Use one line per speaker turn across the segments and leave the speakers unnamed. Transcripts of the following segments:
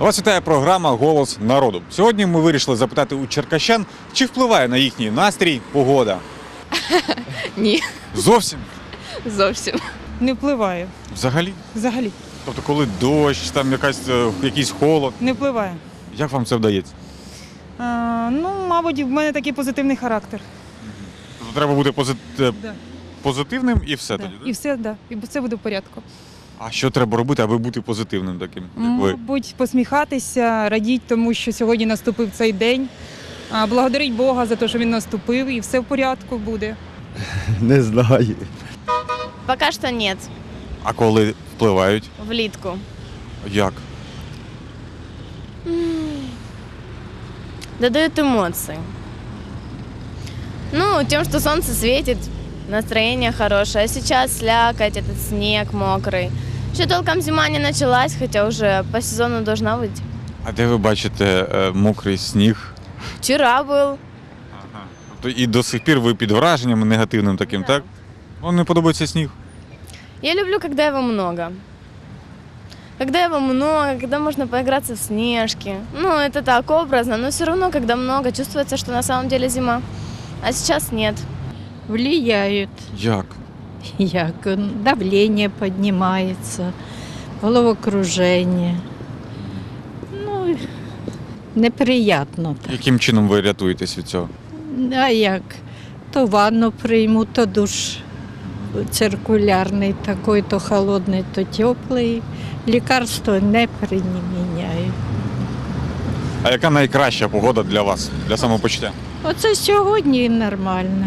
Вас вітає програма «Голос народу». Сьогодні ми вирішили запитати у черкащан, чи впливає на їхній настрій погода.
Ні,
Зовсім?
зовсім.
Не впливає.
Взагалі?
Взагалі.
Тобто коли дощ, там якийсь холод.
Не впливає.
Як вам це вдається?
Мабуть, в мене такий позитивний характер.
Тобто треба бути
Да.
позитивним і все
Да.
тоді,
І
так?
все, да. І все буде в порядку.
А що треба робити, аби бути позитивним таким, як ви?
Мабуть, посміхатися, радіть тому, що сьогодні наступив цей день. Благодарить Бога за те, що він наступив, і все в порядку буде.
Не знаю.
Пока что нет.
А коли впливають?
Влитку.
Як?
Додают эмоции. Ну, тем, что солнце светит, настроение хорошее. А сейчас слякоть, этот снег мокрый. Еще толком зима не началась, хотя уже по сезону должна быть.
А де ви бачите мокрий сніг?
Вчера был.
Тобто і до сих пір ви під враженням негативним таким,
Да.
так? Вам не подобається сніг?
Я люблю, когда его много. Когда его много, когда можно поиграться в снежки. Ну, это так образно, но все равно, когда много, чувствуется, что на самом деле зима. А сейчас нет.
Влияют,
Як?
як давление поднимается, головокружение. Ну, неприятно так.
Яким чином ви рятуєтесь від цього?
А як? То ванну прийму, то душ циркулярний такий, то холодний, то теплий. Лікарство не приміняю.
А яка найкраща погода для вас, для самопочуття?
Оце сьогодні нормально.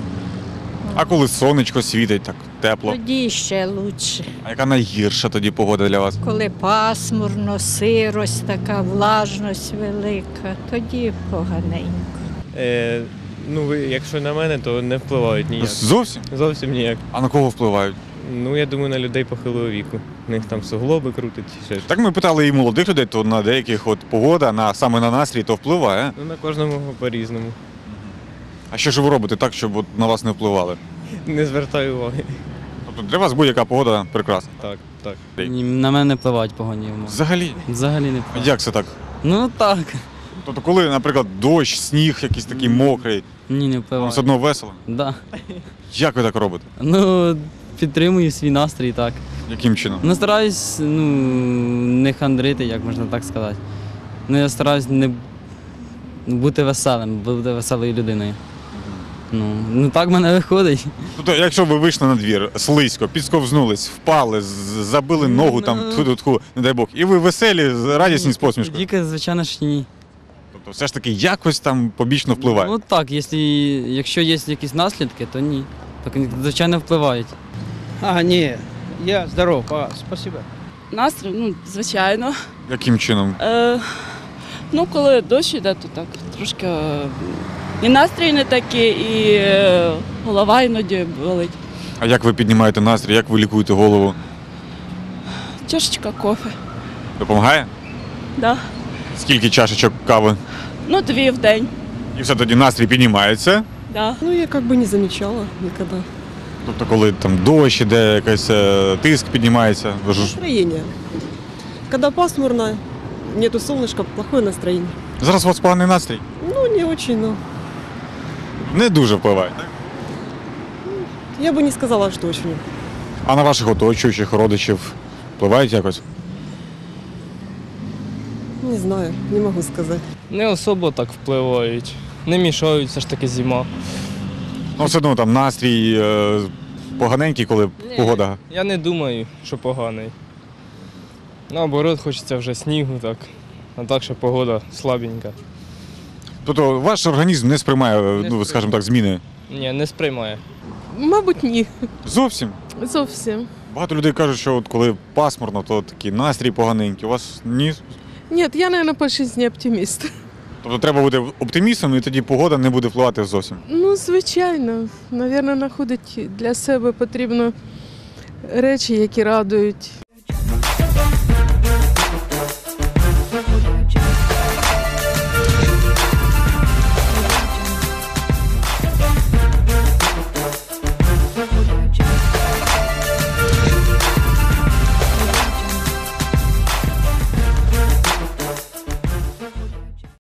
А коли сонечко світить, так тепло.
Тоді ще краще.
А яка найгірша тоді погода для вас?
Коли пасмурно, сирость така, влажність велика, тоді поганенько.
Якщо на мене, то не впливають ніяк.
Зовсім?
Зовсім ніяк.
А на кого впливають?
Ну, я думаю, на людей похилого віку. У них там суглоби крутить чи ще.
Так ми питали і молодих людей, то на деяких от погода, саме на настрій, то впливає.
Ну, на кожному по-різному.
А що ж ви робите так, щоб от на вас не впливали?
Не звертаю уваги.
Тобто для вас будь-яка погода прекрасна.
Так, так.
Ні, на мене не впливають погодні умови.
Взагалі?
Взагалі не
А
впливають.
як це так?
Ну так.
Тобто коли, наприклад, дощ, сніг якийсь такий мокрий,
Ні, не
вам
впливають.
все одно весело?
Да.
Як ви так робите?
Ну, підтримую свій настрій, так.
Яким чином?
Ну, стараюсь, не хандрити, як можна так сказати. Ну, я стараюсь не бути веселим, бути веселою людиною. Ну так в мене виходить.
Тобто, якщо ви вийшли на двір, слизько, підсковзнулись, впали, забили ногу там, тху-тху, не дай Бог, і ви веселі, радісні з посмішкою.
Тільки, звичайно ж, ні.
Тобто все ж таки якось там побічно впливає.
Ну так, якщо є якісь наслідки, то ні. Так, звичайно, впливають.
Ні, я здоров, спасибо.
Настрій, звичайно.
Яким чином?
Коли дощ іде, то так трошки і настрій не такий, і голова іноді болить.
А як ви піднімаєте настрій, як ви лікуєте голову?
Чашечка кофе.
Допомагає?
Да.
Скільки чашечок кави?
2 в день.
І все тоді настрій піднімається.
Да.
Я не замечала никогда.
Тобто, коли там дощ іде, якийсь тиск піднімається. Ви ж
Настроение. Когда пасмурно, нету солнышка, плохое настроение.
зараз у вас поганий настрій.
Не очень, но
Не дуже впливає, так?
я бы не сказала, что очень.
А на ваших оточуючих родичів впливають якось?
Не знаю, не могу сказать.
Не особо так впливають. Не мішають, все ж таки зима.
Ну, все одно там настрій поганенький, коли погода.
Я не думаю, що поганий. Наоборот, хочеться вже снігу, так. А так, що погода слабенька.
Тобто ваш організм не сприймає, скажімо так, зміни?
Ні, не сприймає.
Мабуть, ні.
Зовсім?
Зовсім.
Багато людей кажуть, що от коли пасмурно, то такий настрій поганенький. У вас ні?
Ні, я, мабуть, по житті оптиміст.
Тобто треба бути оптимістом, і тоді погода не буде впливати зовсім.
Звичайно. Навірно, знаходити для себе потрібно речі, які радують.